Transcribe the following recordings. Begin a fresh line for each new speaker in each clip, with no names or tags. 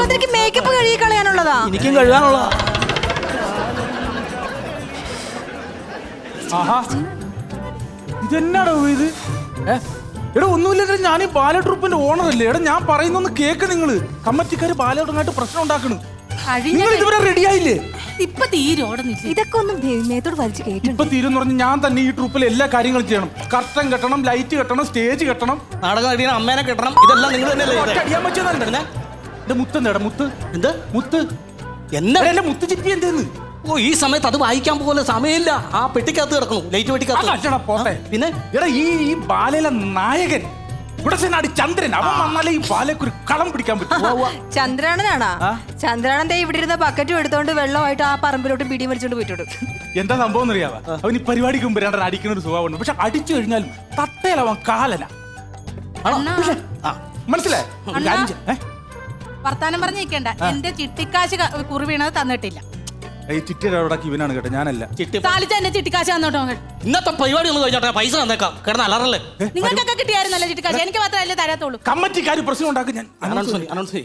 അതെനിക്ക് മേക്കപ്പ് കഴുകി കളയാനുള്ളതാ.
എനിക്കും കഴുകാനുള്ളതാ.
ഇതെന്നാടോ ഇത്? എടാ ഒന്നുമില്ല, ഞാൻ ഈ ബാല ട്രൂപ്പിന്റെ ഓണർ അല്ലേ. എടാ ഞാൻ പറയുന്നൊന്ന് കേക്ക്. നിങ്ങള് കമ്മറ്റിക്കാര് ബാലയോടങ്ങായിട്ട് പ്രശ്നം ഉണ്ടാക്കണ്. നിങ്ങൾ ഇതുവരെ റെഡി ആയില്ലേ?
ഇപ്പൊ തീരോടുന്നില്ല. ഇതൊക്കെ ഒന്നും മേത്തോട് വലിച്ചു കേട്ടു.
ഇപ്പൊ തീരെന്ന് പറഞ്ഞ് ഞാൻ തന്നെ ഈ ട്രൂപ്പിൽ എല്ലാ കാര്യങ്ങളും ചെയ്യണം. കർട്ടൻ കെട്ടണം, ലൈറ്റ് കെട്ടണം, സ്റ്റേജ് കെട്ടണം,
നാടകം അടിയണം, അമ്മേനെ കെട്ടണം. ഇതെല്ലാം നിങ്ങൾ തന്നെയല്ലേ
അടിയാൻ പറ്റുന്നല്ലേ? എന്റെ മുത്ത് എന്താ? മുത്ത്
എന്ത്
മുത്ത്?
എന്നാ
എന്റെ മുത്ത് ചിപ്പി എന്തേന്ന്?
ഓ, ഈ സമയത്ത് അത് വായിക്കാൻ പോലെ സമയമില്ല. ആ പെട്ടിക്കകത്ത് കിടക്കണം, ലൈറ്റ് പെട്ടിക്കകത്ത്.
പോട്ടെ.
പിന്നെ
എടാ ഈ ബാലയിലെ നായകൻ ഉടസനാട് ചന്ദ്രൻ, അവൻ വന്നാലേ ഈ ബാലയ്ക്ക് ഒരു കളം പിടിക്കാൻ പറ്റും.
ചന്ദ്രാണനാണാ? ചന്ദ്രാണൻ ഇവിടെ ഇരുന്ന ബക്കറ്റും എടുത്തോണ്ട് വെള്ളമായിട്ട് ആ പറമ്പിലോട്ട് പിടി വലിച്ചോണ്ട് പോയിട്ടുണ്ട്.
എന്താ സംഭവം എന്നറിയാവാ? അവൻ ഈ പരിപാടിക്ക് മുമ്പ് രണ്ടര അടിക്കുന്ന ഒരു സ്വഭാവമുണ്ട്. പക്ഷെ അടിച്ചു കഴിഞ്ഞാൽ തട്ടയിലവൻ കാലന. മനസ്സിലായി?
വർത്താനം പറഞ്ഞിരിക്കണ്ട. എന്റെ ചിട്ടിക്കാശ് കുറി വീണത് തന്നിട്ടില്ല.
ഈ ചിട്ടിയുടെ അവിടെ ഇവനാണ് കേട്ടോ, ഞാനല്ല.
എന്നെ ചിട്ടിക്കാശ് തന്നോട്ടോ.
ഇന്നത്തെ പരിപാടി ഒന്ന് കഴിഞ്ഞോട്ടെ, പൈസ തന്നേക്കാം. കിടന്ന് അലറല്ലേ?
നിങ്ങൾക്കൊക്കെ കിട്ടിയായിരുന്നല്ലോ ചിട്ടിക്കാശ്, എനിക്ക് മാത്രമല്ലേ തരാത്തുള്ളൂ.
കമ്മറ്റിക്കാര് പ്രശ്നം ഉണ്ടാക്കും. ഞാൻ
അനൗൺസ്.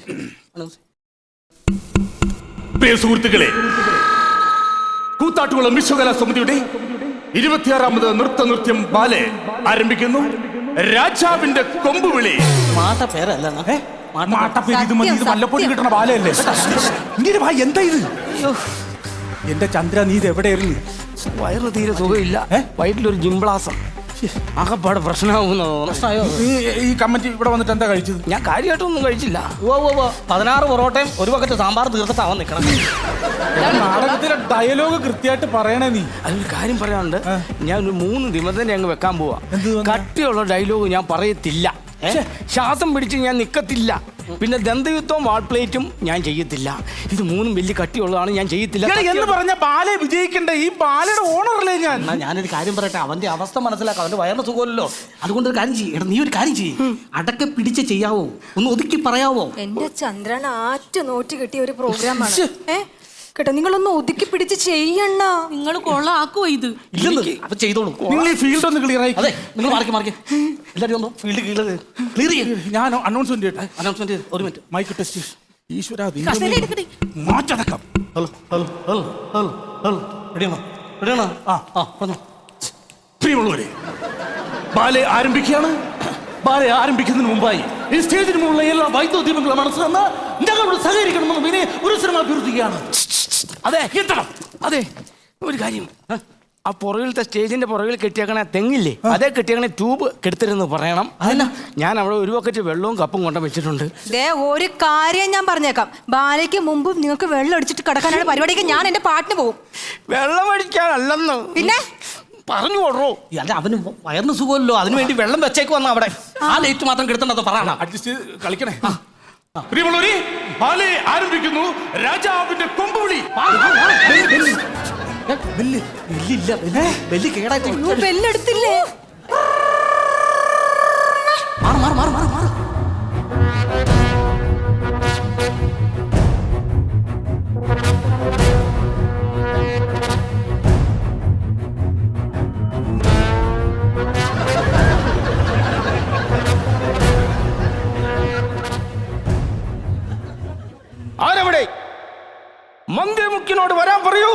പ്രിയ സുഹൃത്തുക്കളെ, കൂത്താട്ടുകുളം വിശ്വകലാ സമിതിയുടെ 26ാമത് നൃത്തനൃത്യം ബാലെ ആരംഭിക്കുന്നു. രാജാവിന്റെ കൊമ്പുവിളി.
മാട്ട പേരല്ല,
വല്ലപ്പോഴും കിട്ടണ ബാലയല്ലേ? എന്താ ഇത്? എന്റെ ചന്ദ്ര, നീ ഇത് എവിടെയായിരുന്നു?
വയറ് തീരെ സുഖമില്ല, വയറ്റിലൊരു ജിംബ്ലാസം, ആകപ്പാട് പ്രശ്നമാകുന്നോ.
ഈ കമ്മിറ്റി ഇവിടെ വന്നിട്ട് എന്താ കഴിച്ചത്?
ഞാൻ കാര്യമായിട്ടൊന്നും കഴിച്ചില്ല.
16 പൊറോട്ടയും ഒരു ബക്കറ്റ് സാമ്പാർ തീർത്തിട്ടാവാൻ നിൽക്കണം.
നാടകത്തിലെ ഡയലോഗ് കൃത്യമായിട്ട് പറയണേ നീ.
അതിൽ കാര്യം പറയാനുണ്ട്. ഞാൻ ഒരു 3 നിബന്ധന അങ്ങ് വെക്കാൻ പോവാ. കട്ടിയുള്ള ഡയലോഗ് ഞാൻ പറയത്തില്ല, ശ്വാസം പിടിച്ച് ഞാൻ നിക്കത്തില്ല, പിന്നെ ദന്തയുദ്ധവും വാൾപ്ലേറ്റും ഞാൻ ചെയ്യത്തില്ല. ഇത് 3 വലിയ കട്ടിയുള്ളതാണ്, ഞാൻ ചെയ്യത്തില്ല
എന്ന് പറഞ്ഞ ബാലെ വിജയിക്കണ്ടേ? ഈ ബാലയുടെ ഓണറല്ലേ ഞാൻ.
ഞാനൊരു കാര്യം പറയട്ടെ, അവന്റെ അവസ്ഥ മനസ്സിലാക്കാം. അവന്റെ വയറിന് സുഖമല്ലോ. അതുകൊണ്ട് ഒരു കാര്യം ചെയ്യും. നീ ഒരു കാര്യം ചെയ്യും, അടക്കെ പിടിച്ച് ചെയ്യാവോ? ഒന്ന് ഒതുക്കി പറയാവോ?
എന്റെ ചന്ദ്രൻ ആറ്റ് നോറ്റ് കിട്ടിയ ഒരു പ്രോഗ്രാമാണ് കേട്ടോ. നിങ്ങളൊന്ന് ഒതുക്കി പിടിച്ച് ചെയ്യണ്ട. നിങ്ങൾ കൊള്ളാക്കുവോ ഇത്?
അപ്പൊ ചെയ്തോളൂ.
നിങ്ങൾ ഈ ഫീൽഡ് ഒന്ന് ക്ലിയർ ആയി.
അതെ, നിങ്ങൾ മാറി എല്ലാവരും ഒന്ന് ഫീൽഡ് ക്ലിയർ ചെയ്യും.
ഞാൻ അനൗൺസ്മെന്റ്
ഒരു മിനിറ്റ്.
Mic test. ഈശ്വര,
മാറ്റടക്കം.
പ്രിയമുള്ളവരെ, ബാലെ ആരംഭിക്കുകയാണ്. ബാലെ ആരംഭിക്കുന്നതിന് മുമ്പായി ഈ സ്റ്റേജിന് മുകളിലുള്ള എല്ലാ വൈദ്യുതീപങ്ങളും മനസ്സിലെന്ന് ഞങ്ങളോട് സഹകരിക്കണമെന്ന് പിന്നെ ഒരു ശ്രമം അഭ്യർത്ഥിക്കുകയാണ്.
അതെ, ഒരു കാര്യം, ആ പുറകിലത്തെ സ്റ്റേജിന്റെ പുറകിൽ കെട്ടിയേക്കണ തെങ്ങില്ലേ, അതേ കെട്ടിയേക്കണ ട്യൂബ് കെടുത്തരുന്ന് പറയണം. അതല്ല, ഞാൻ അവിടെ ഒരു ബക്കറ്റ് വെള്ളവും കപ്പും കൊണ്ട വെച്ചിട്ടുണ്ട്.
ഒരു കാര്യം ഞാൻ പറഞ്ഞേക്കാം. ബാലയ്ക്ക് മുമ്പ് നിങ്ങൾക്ക് വെള്ളം അടിച്ചിട്ട് കിടക്കാനാണ് പരിപാടിക്ക് ഞാൻ എന്റെ പാട്ടിന് പോകും.
വെള്ളം അടിക്കാനല്ലെന്ന്
പിന്നെ
പറഞ്ഞു കൊടുറോ.
അല്ല, അവന് വയറിന് സുഖമല്ലോ, അതിനു വേണ്ടി വെള്ളം വെച്ചേക്ക് വന്ന അവിടെ ആ ലൈറ്റ് മാത്രം കെടുത്തണ്ടോ പറയണം.
അഡ്ജസ്റ്റ് കളിക്കണേ. പ്രിയമുള്ളവരെ, ബാലെ ആരംഭിക്കുന്നു. രാജാവിന്റെ കൊമ്പുവിളി.
ബെല്ലെടുത്തില്ലേ?
ആരവിടെ? മന്ദിരമുക്കിനോട് വരാൻ പറയൂ.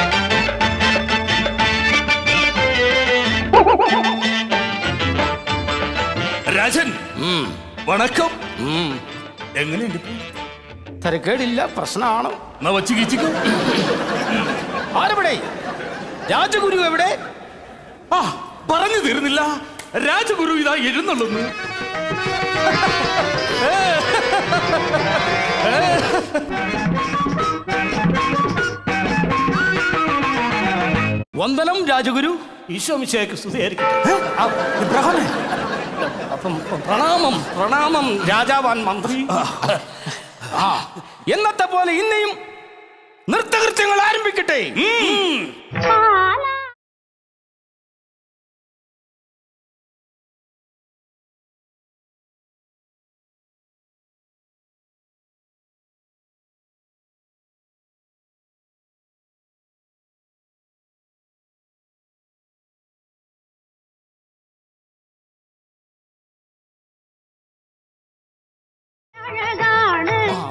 രാജൻ, വണക്കം. എങ്ങനെയുണ്ട്?
തരക്കേടില്ല, പ്രശ്നമാണ്. ആരവിടെ? രാജഗുരു എവിടെ?
പറഞ്ഞു തീർന്നില്ല. രാജഗുരു ഇതാ എഴുന്നള്ളുന്നു.
വന്ദനം രാജഗുരു.
ഈശോ മിശിഹായ്ക്ക് സ്തുതിയായിരിക്കട്ടെ.
അപ്പം പ്രണാമം രാജാവാൻ മന്ത്രി. എന്നത്തെ പോലെ ഇന്നെയും നൃത്തകൃത്യങ്ങൾ ആരംഭിക്കട്ടെ.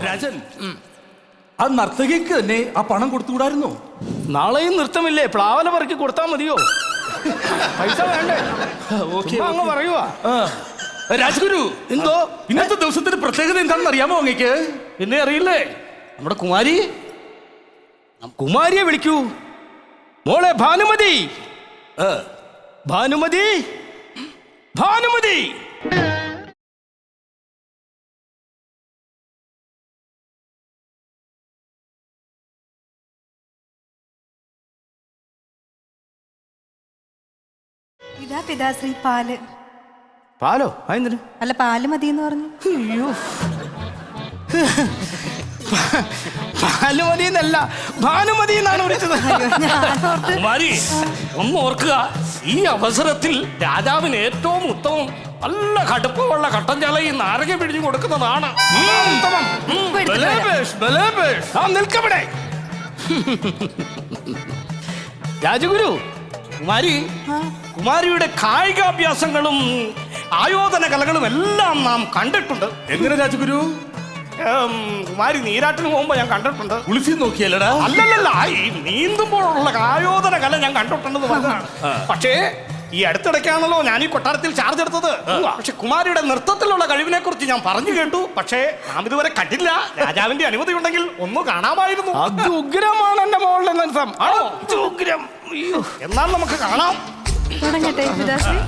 രാജൻ, ആ നർത്തകിക്ക് തന്നെ ആ പണം കൊടുത്തുകൂടായിരുന്നോ?
നാളെയും നൃത്തമില്ലേ, പ്ലാവല പറക്കി കൊടുത്താ മതിയോ? പൈസ വേണ്ടേ? ചുമ്മാ അങ്ങ് പറയുവാ.
രാജഗുരു,
എന്തോ
ഇന്നത്തെ ദിവസത്തിന്റെ പ്രത്യേകത എന്താണെന്ന് അറിയാമോ അങ്ങേക്ക്?
പിന്നെ അറിയില്ലേ, നമ്മുടെ കുമാരി.
കുമാരിയെ വിളിക്കൂ. മോളെ ഭാനുമതി, ഭാനുമതി, ഭാനുമതി.
ഇതാ പിതാശ്രീ പാല്.
പാലോ? അതെന്തിന്?
അല്ല, പാല് മതി എന്ന് പറഞ്ഞു.
അയ്യോ, ഭാനുമതി എന്നല്ല, ഭാനുമതി എന്നാണ് വിളിച്ചത്.
കുമാരി, ഒന്ന് ഓർക്കുക, ഈ അവസരത്തിൽ രാജാവിന് ഏറ്റവും ഉത്തമം നല്ല കടുപ്പമുള്ള കട്ടൻ ചാല ഈ നാരക പിടിച്ചു കൊടുക്കുന്നതാണ് ഉത്തമം.
നിൽക്കവിടെ രാജഗുരു.
കുമാരി, കുമാരിയുടെ കായികാഭ്യാസങ്ങളും ആയോധന കലകളും എല്ലാം നാം കണ്ടിട്ടുണ്ട്.
എങ്ങനെ രാജഗുരു?
കുമാരി നീരാട്ടിന് പോകുമ്പോ ഞാൻ കണ്ടിട്ടുണ്ട്.
കുളിച്ച് നോക്കിയല്ലടാ?
അല്ലല്ല, ഈ നീന്തുമ്പോഴുള്ള ആയോധന കല ഞാൻ കണ്ടിട്ടുണ്ടെന്ന് പറഞ്ഞതാണ്. പക്ഷേ ഈ അടുത്തിടയ്ക്കാണല്ലോ ഞാൻ ഈ കൊട്ടാരത്തിൽ ചാർജ് എടുത്തത്. പക്ഷെ കുമാരിയുടെ നൃത്തത്തിലുള്ള കഴിവിനെ കുറിച്ച് ഞാൻ പറഞ്ഞു കേട്ടു. പക്ഷേ നാം ഇതുവരെ കണ്ടില്ല. രാജാവിന്റെ അനുമതി ഉണ്ടെങ്കിൽ ഒന്ന് കാണാമായിരുന്നു.
ഉഗ്രമാണ് എന്റെ മോളുടെ നൃത്തം.
ആണോ?
ഉഗ്രം.
എന്നാൽ നമുക്ക് കാണാം.
തുടങ്ങട്ടെ പിതാശ്രീ?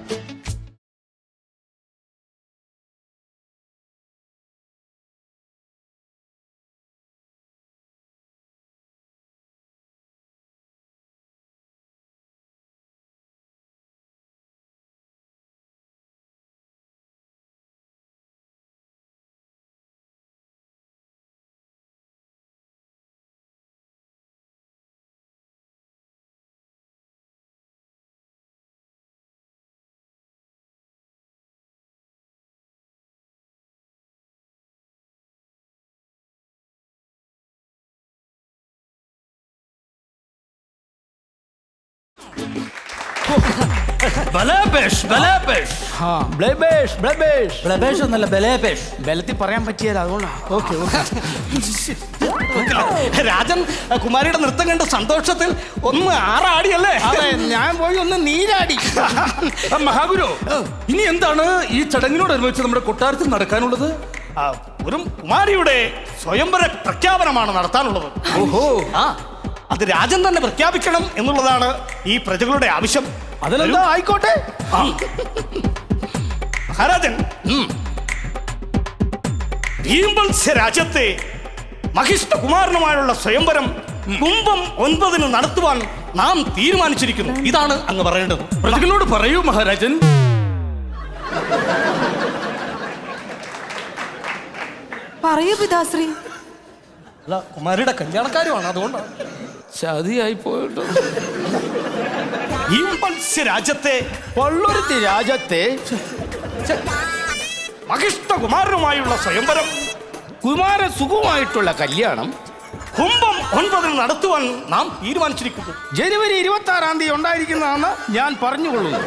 ബലത്തിൽ പറയാൻ പറ്റിയത് അതുകൊണ്ടാ.
ഓക്കെ. രാജൻ കുമാരിയുടെ നൃത്തം കണ്ട സന്തോഷത്തിൽ ഒന്ന് ആറാടിയല്ലേ?
അതെ, ഞാൻ പോയി ഒന്ന് നീരാടി.
മഹാഗുരു, ഇനി എന്താണ് ഈ ചടങ്ങിനോടനുബന്ധിച്ച് നമ്മുടെ കൊട്ടാരത്തിൽ നടക്കാനുള്ളത്?
ഒരു കുമാരിയുടെ സ്വയംവര പ്രഖ്യാപനമാണ് നടത്താനുള്ളത്.
ഓഹോ,
അത് രാജൻ തന്നെ പ്രഖ്യാപിക്കണം എന്നുള്ളതാണ് ഈ പ്രജകളുടെ ആവശ്യം.
അതിലെന്താ, ആയിക്കോട്ടെ.
മഹാരാജൻ, ഭീംവത്സ്യ രാജ്യത്തെ മഹിഷ്ഠകുമാരനുമായുള്ള സ്വയംവരം കുംഭം 9 നടത്തുവാൻ നാം തീരുമാനിച്ചിരിക്കുന്നു. ഇതാണ് അങ്ങ് പറയേണ്ടത്.
പ്രജകളോട് പറയൂ മഹാരാജൻ.
പറയൂ പിതാശ്രീ.
അല്ല, കുമാരിയുടെ കല്യാണക്കാരുമാണ്, അതുകൊണ്ടാണ്.
ചതിയായി പോയിട്ടോ.
ഭീംവത്സ്യ രാജ്യത്തെ
പള്ളുരുത്തി രാജ്യത്തെ
മഹിഷ്ഠകുമാരനുമായുള്ള സ്വയംവരം
കുമാര സുഖമായിട്ടുള്ള കല്യാണം
കുംഭം 9 നടത്തുവാൻ നാം തീരുമാനിച്ചിരിക്കുന്നു.
ജനുവരി 26-ാം തീയതി ഉണ്ടായിരിക്കുന്നതാണെന്ന് ഞാൻ പറഞ്ഞുകൊള്ളുന്നു.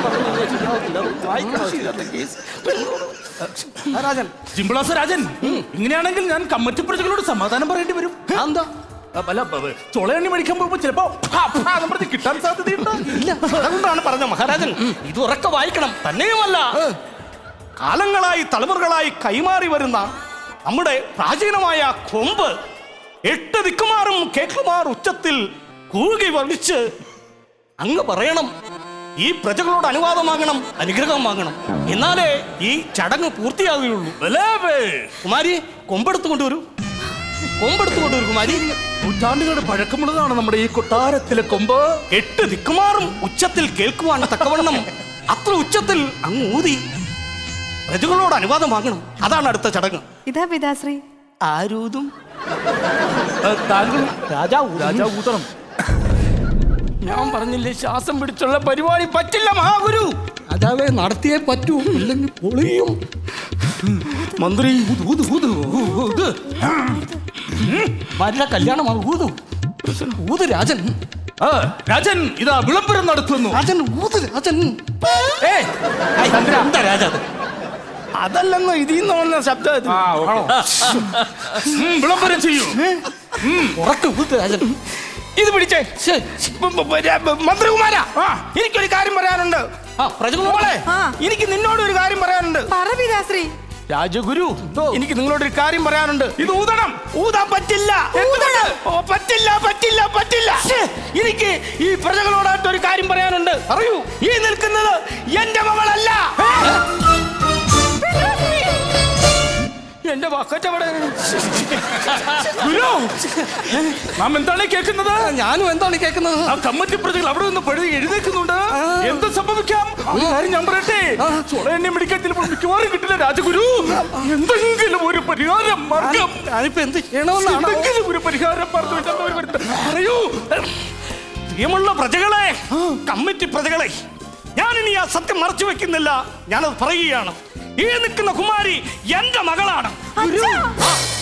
രാജൻ,
ജിംബിളാസ രാജൻ, ഇങ്ങനെയാണെങ്കിൽ ഞാൻ കമ്മറ്റി പ്രജകളോട് സമാധാനം പറയേണ്ടി വരും.
എന്താ?
ചൊളയണ്ണി മേടിക്കാൻ പോകുമ്പോ ചിലപ്പോ കിട്ടാൻ സാധ്യതയുണ്ട്.
ഇല്ല, അതുകൊണ്ടാണ് പറഞ്ഞ മഹാരാജൻ, ഇത് ഉറക്കെ വായിക്കണം. തന്നെയുമല്ല, കാലങ്ങളായി തലമുറകളായി കൈമാറി വരുന്ന നമ്മുടെ പ്രാചീനമായ കൊമ്പ് 8 ദിക്കുമാറും കേക്കുമാർ ഉച്ചത്തിൽ കൂകി വലിച്ച് അങ്ങ് പറയണം. ഈ പ്രജകളോട് അനുവാദം വാങ്ങണം, അനുഗ്രഹം വാങ്ങണം. എന്നാലേ ഈ ചടങ്ങ് പൂർത്തിയാകുകയുള്ളൂ. കുമാരി, കൊമ്പെടുത്തു കൊണ്ടുവരൂ. കൊമ്പെടുത്തു കൊണ്ടുവരൂ കുമാരി.
നൂറ്റാണ്ടുകളുടെ പഴക്കമുള്ളതാണ് നമ്മുടെ ഈ കൊട്ടാരത്തിലെ കൊമ്പ്.
8 ദിക്കുമാറും ഉച്ചത്തിൽ കേൾക്കുവാൻ തക്കവണ്ണം അത്ര ഉച്ചത്തിൽ അങ്ങ് ഊതി പ്രജകളോട് അനുവാദം വാങ്ങണം. അതാണ് അടുത്ത ചടങ്ങ്.
ഇതാ പിതാശ്രീ.
ആരൂതും
താങ്കൾ
രാജാ
ഊതണം.
ഞാൻ പറഞ്ഞില്ലേ, ശ്വാസം പിടിച്ചുള്ള പരിപാടി പറ്റില്ല മഹാഗുരു.
രാജാവെ, നടത്തിയേ പറ്റൂ, ഇല്ലെങ്കിൽ പൊളിയും.
മന്ത്രി,
ഭാര്യ കല്യാണമാണ്. ഊത് രാജൻ.
രാജൻ ഇതാ വിളംബരം നടത്തുന്നു.
രാജൻ ഊത് രാജൻ. എന്താ രാജ?
അതല്ലെന്നോ ഇതിന്ന് വന്ന ശബ്ദം ഇത്.
വിളംബരം ചെയ്യൂ.
രാജൻ ഇത് പിടിച്ചേ. മന്ത്രികുമാര, എനിക്കൊരു കാര്യം പറയാനുണ്ട്. പ്രജകളോളെ, എനിക്ക് നിന്നോട് ഒരു കാര്യം പറയാനുണ്ട്.
പറ പിതാശ്രീ.
രാജഗുരു, എനിക്ക് നിങ്ങളോടൊരു കാര്യം പറയാനുണ്ട്.
ഇത് ഊതണം.
ഊതാൻ പറ്റില്ല. പറ്റില്ല പറ്റില്ല പറ്റില്ല. എനിക്ക് ഈ പ്രജകളോടായിട്ട് ഒരു കാര്യം പറയാനുണ്ട്.
പറയൂ.
ഈ നിൽക്കുന്നത് എന്റെ മകളല്ല. എന്റെ ബക്കറ്റ് അവിടെ.
ഗുരു, നാം എന്താണ് കേൾക്കുന്നത്?
ഞാനും എന്താണ് കേൾക്കുന്നത്?
ആ കമ്മിറ്റി പ്രജകൾ അവിടെ നിന്ന് പഴുതി എഴുന്നേക്കുന്നുണ്ട്. എന്ത് സംഭവിക്കാം? ഒരു കാര്യം ഞാൻ പറയട്ടെ. ചുള എന്നെ പിടിക്കാൻ ചിലപ്പോൾ മിക്കവാറും കിട്ടില്ല രാജഗുരു. എന്തെങ്കിലും ഒരു പരിഹാരം മാർഗം.
ഞാനിപ്പോ എന്ത് ചെയ്യണമെന്നാണ്?
എന്തെങ്കിലും ഒരു പരിഹാരം മാർഗം പറയൂ.
പ്രിയമുള്ള പ്രജകളെ, കമ്മിറ്റി പ്രജകളെ, ഞാനിനി ആ സത്യം മറച്ചു വെക്കുന്നില്ല. ഞാനത് പറയുകയാണ്. ഈ നിൽക്കുന്ന കുമാരി എന്റെ മകളാണ്.
അച്ഛാ.